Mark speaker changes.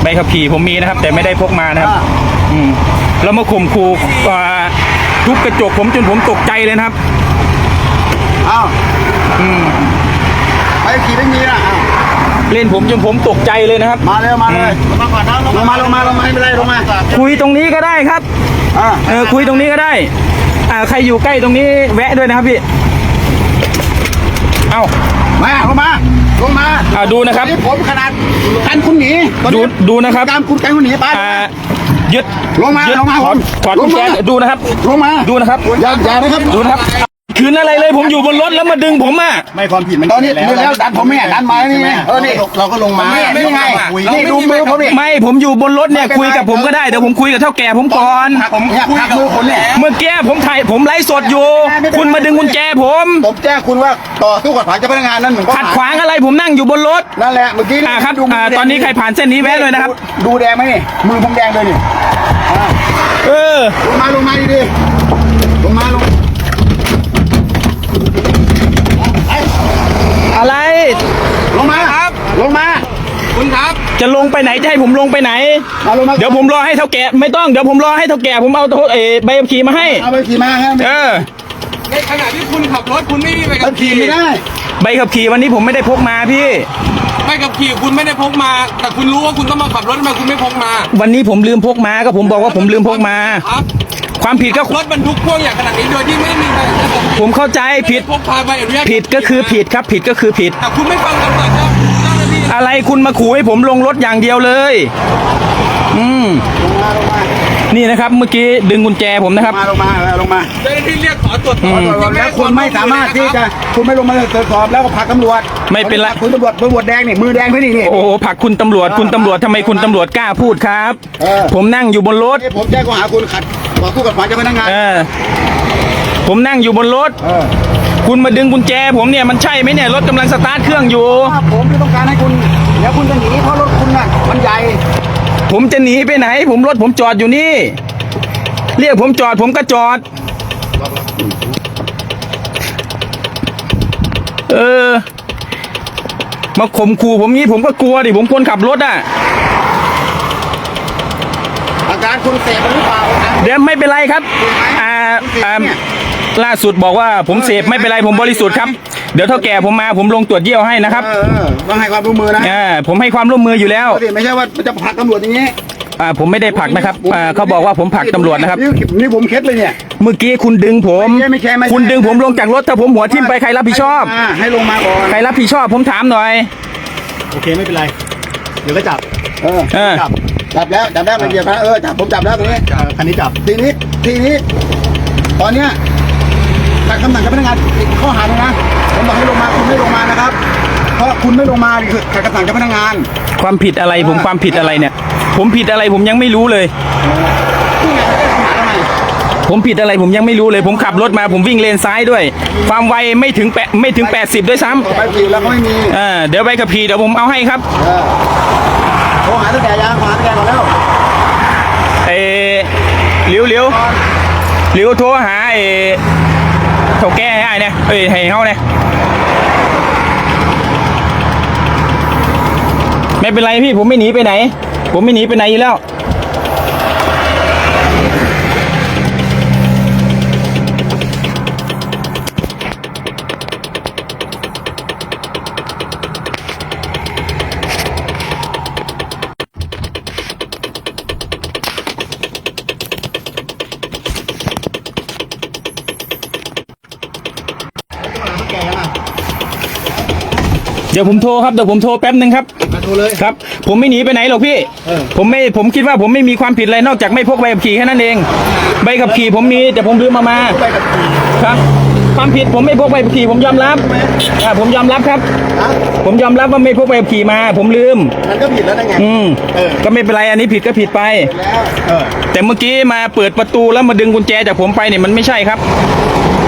Speaker 1: ใบขับขี่ผมมีนะครับแต่ไม่ได้พกมานะครับแล้วมาข่มขู่ทุบกระจกผมจนผมตกใจเลยนะครับ
Speaker 2: อ้าวใบขับขี่ไม่มีนะ
Speaker 1: เล่นผมจนผมตกใจเลยนะครับ
Speaker 2: มาเร็วมาเลยลงมาก่อนนะลงมาไม่เป็นไรลงมา
Speaker 1: คุยตรงนี้ก็ได้ครับคุยตรงนี้ก็ได้ใครอยู่ใกล้ตรงนี้แวะด้วยนะครับพี่เอา
Speaker 2: ลงมา
Speaker 1: ดูนะครับ
Speaker 2: ผมขนาดกันคุณหนี
Speaker 1: ดูนะครับ
Speaker 2: ตามคุณกันคุณหนีไป
Speaker 1: ยึด
Speaker 2: ลงมา
Speaker 1: ถอดกุญแจดูนะครับ
Speaker 2: ลงมา
Speaker 1: ดูนะครับ
Speaker 2: อย่านะครับ
Speaker 1: ดูนะครับคืนอะไรเลยผมอยู่บนรถแล้วมาดึงผม
Speaker 2: ไม่ความผิดมันตอนนี้แล้วดันผมไม่ดันมานี่ไงนี่เราก็ลงมานี่ไงนี่ดูมือผมนี่
Speaker 1: ไม่ผมอยู่บนรถเนี่ยคุยกับผมก็ได้เดี๋ยวผมคุยกับเท่าแก่ผมก่อน
Speaker 2: ผมคุยกับมือคนเนี่ย
Speaker 1: เมื่อกี้ผมไลฟ์สดอยู่คุณมาดึงกุญแจผม
Speaker 2: แจ้งคุณว่าต่อสู้กับเจ้าพนักงานนั่นเหมือน
Speaker 1: ขัดขวางอะไรผมนั่งอยู่บนรถ
Speaker 2: นั่นแหละเมื่อกี้
Speaker 1: ครับตอนนี้ใครผ่านเส้นนี้แวะเลยนะครับ
Speaker 2: ดูแดงไหมนี่มือผมแดงเลยนี่ลงมาดีลงมา
Speaker 1: อะไร
Speaker 2: ลงมาครับลงมา
Speaker 1: คุณครับจะลงไปไหนจะให้ผมลงไปไหนเดี๋ยวผมรอให้เท่าแก่ไม่ต้องเดี๋ยวผมรอให้เท่าแก่ผมเอาใบขับขี่มาให้
Speaker 2: เอาใบขับขี่มาครับ
Speaker 3: ในขณะที่คุณขับรถคุณไม่มีใบขับขี่
Speaker 2: ไม่ได้
Speaker 1: ใบขับขี่วันนี้ผมไม่ได้พกมาพี่
Speaker 3: ใบขับขี่คุณไม่ได้พกมาแต่คุณรู้ว่าคุณต้องมาขับรถทำไมคุณไม่พกมา
Speaker 1: วันนี้ผมลืมพกมาก็ผมบอกว่าผมลืมพกมา
Speaker 3: ครับ
Speaker 1: ความผิดก็
Speaker 3: รถบรรทุกพ่วงอย่างขนาดนี้โดยที่ไม่มีใบ
Speaker 1: ผมเข้าใจผิดผิดก็คือผิดครับผิดก็คือผิด
Speaker 3: แต่คุณไม่ฟังคำสั่งเจ้าหน้าที่
Speaker 1: อะไรคุณมาขู่ให้ผมลงรถอย่างเดียวเลยนี่นะครับเมื่อกี้ดึงกุญแจผมนะครับ
Speaker 2: ลงมา
Speaker 3: เจ้าหน้าที่เรียกขอตรวจสอบ
Speaker 2: แล้วคุณไม่สามารถที่จะคุณไม่ลงมาตรวจสอบแล้วก็ผลักตำรวจ
Speaker 1: ไม่เป็นไร
Speaker 2: คุณตำรวจแดงนี่มือแดงพี่นี่
Speaker 1: โอ้โหผลักคุณตำรวจทำไมคุณตำรวจกล้าพูดครับผมนั่งอยู่บนรถ
Speaker 2: ผมแจ้งข้อหาคุณขัดต่อสู้กับฝ่ายเจ้าพนักงาน
Speaker 1: ผมนั่งอยู่บนรถคุณมาดึงกุญแจผมเนี่ยมันใช่ไหมเนี่ยรถกำลังสตาร์ทเครื่องอยู่
Speaker 2: ผมไม่ต้องการให้คุณเดี๋ยวคุณจะหนีเพราะรถคุณน่ะมันใหญ่
Speaker 1: ผมจะหนีไปไหนรถผมจอดอยู่นี่เรียกผมจอดผมก็จอดมาข่มขู่ผมงี้ผมก็กลัวดิผมคนขับรถ
Speaker 2: อาการคุณเสพหรือเปล่า
Speaker 1: เดี๋ยวไม่เป็นไรครับล่าสุดบอกว่าผมเสพไม่เป็นไรผมบริสุทธิ์ครับเดี๋ยวเท่าแก่ผมมาผมลงตรวจเยี่ยวให้นะครับ
Speaker 2: ต้องให้ความร่วมมือนะ
Speaker 1: ผมให้ความร่วมมืออยู่แล้ว
Speaker 2: ไม่ใช่ว่าจะผลักตำรวจอย่างนี้
Speaker 1: ผมไม่ได้ผลักนะครับเขาบอกว่าผมผลักตำรวจนะครับ
Speaker 2: นี่ผมเคล็ดเลยเนี่ย
Speaker 1: เมื่อกี้คุณดึงผมคุณดึงผมลงจากรถถ้าผมหัวทิ่มไปใครรับผิดชอบ
Speaker 2: ให้ลงมาก่อน
Speaker 1: ใครรับผิดชอบผมถามหน่อย
Speaker 2: โอเคไม่เป็นไรเดี๋ยวก็จับจับแล้วมาเหยียบนะจับผมจับแล้วตรงนี้คันนี้จับทีนี้ตอนเนี้ยจากคำสั่งเจ้าพนักงานข้อหาเลยนะผมบอกให้ลงมาคุณไม่ลงมานะครับเพราะคุณไม่ลงมาคือขัดคำสั่งเจ้าพนักงาน
Speaker 1: ความผิดอะไรผมความผิดอะไรเนี่ยผมผิดอะไรผมยังไม่รู้เลยผมผิดอะไรผมยังไม่รู้เลยผมขับรถมาผมวิ่งเลนซ้ายด้วยความไวไม่ถึง80ด้วยซ้ำ
Speaker 2: ใบขับขี่แล้วก็ไม่มี
Speaker 1: เดี๋ยวใบขับขี่เดี๋ยวผมเอาให้ครับ
Speaker 2: โทรหาตั้งแต่ยังหาตั้งแต่ก่อนแล้ว
Speaker 1: เลี้ยวโทรหาเท่าแก่ให้เนี่ยให้เขาเนี่ยไม่เป็นไรพี่ผมไม่หนีไปไหนอยู่แล้วเดี๋ยวผมโทรครับเดี๋ยวผมโทรแป๊บนึงครับ
Speaker 2: โทรเลย
Speaker 1: ครับผมไม่หนีไปไหนหรอกพี่ผมคิดว่าผมไม่มีความผิดอะไรนอกจากไม่พกใบขับขี่แค่นั้นเองใบขับขี่ผมมีแต่ผมลืมมาครับความผิดผมไม่พกใบขับขี่ผมยอมรับผมยอมรับครับผมยอมรับว่าไม่พกใบขับขี่มาผมลืม
Speaker 2: มันก็ผิดแล้วไง
Speaker 1: ก็ไม่เป็นไรอันนี้ผิดก็ผิดไปแต่เมื่อกี้มาเปิดประตูแล้วมาดึงกุญแจจากผมไปเนี่ยมันไม่ใช่ครับ